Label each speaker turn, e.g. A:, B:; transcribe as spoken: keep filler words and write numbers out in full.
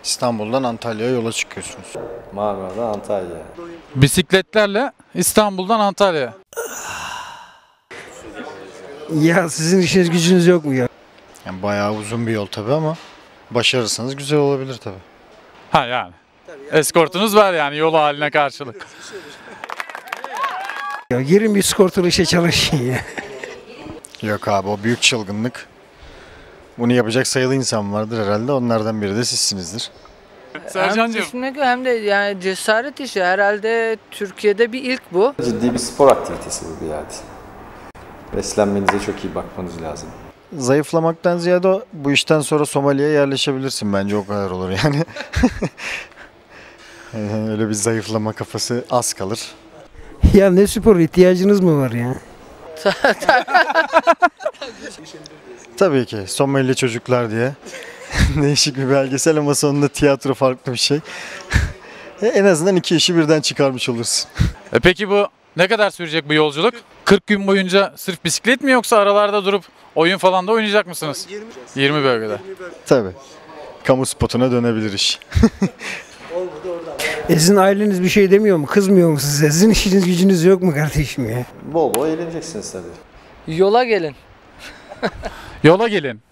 A: İstanbul'dan Antalya'ya yola çıkıyorsunuz.
B: Marmara'dan Antalya'ya.
C: Bisikletlerle İstanbul'dan Antalya'ya.
D: Ya sizin işiniz gücünüz yok mu ya?
A: Yani bayağı uzun bir yol tabii ama başarırsanız güzel olabilir tabii.
C: Ha yani. Eskortunuz var yani yol haline karşılık.
D: Ya girin bir sigortalı işe çalışın ya.
A: Yok abi, o büyük çılgınlık. Bunu yapacak sayılı insan vardır herhalde. Onlardan biri de sizsinizdir.
E: Hem
C: Sercan'cığım.
E: düşünmek hem de yani cesaret işi. Herhalde Türkiye'de bir ilk bu.
B: Ciddi bir spor aktivitesi bu bir yerde. Beslenmenize çok iyi bakmanız lazım.
A: Zayıflamaktan ziyade bu işten sonra Somali'ye yerleşebilirsin, bence o kadar olur yani. Yani öyle bir zayıflama kafası az kalır.
D: Ya ne spor ihtiyacınız mı var ya?
A: Tabii ki Somali çocuklar diye değişik bir belgesel ama sonunda tiyatro farklı bir şey. En azından iki işi birden çıkarmış olursun.
C: E peki bu ne kadar sürecek bu yolculuk? kırk gün boyunca sırf bisiklet mi yoksa aralarda durup oyun falan da oynayacak mısınız? yirmi bölgede.
A: Tabii. Kamu spotuna dönebilir iş.
D: E sizin aileniz bir şey demiyor mu? Kızmıyor mu size? Sizin işiniz gücünüz yok mu kardeşim ya?
B: Bol bol eğleneceksiniz tabii.
E: Yola gelin.
C: Yola gelin.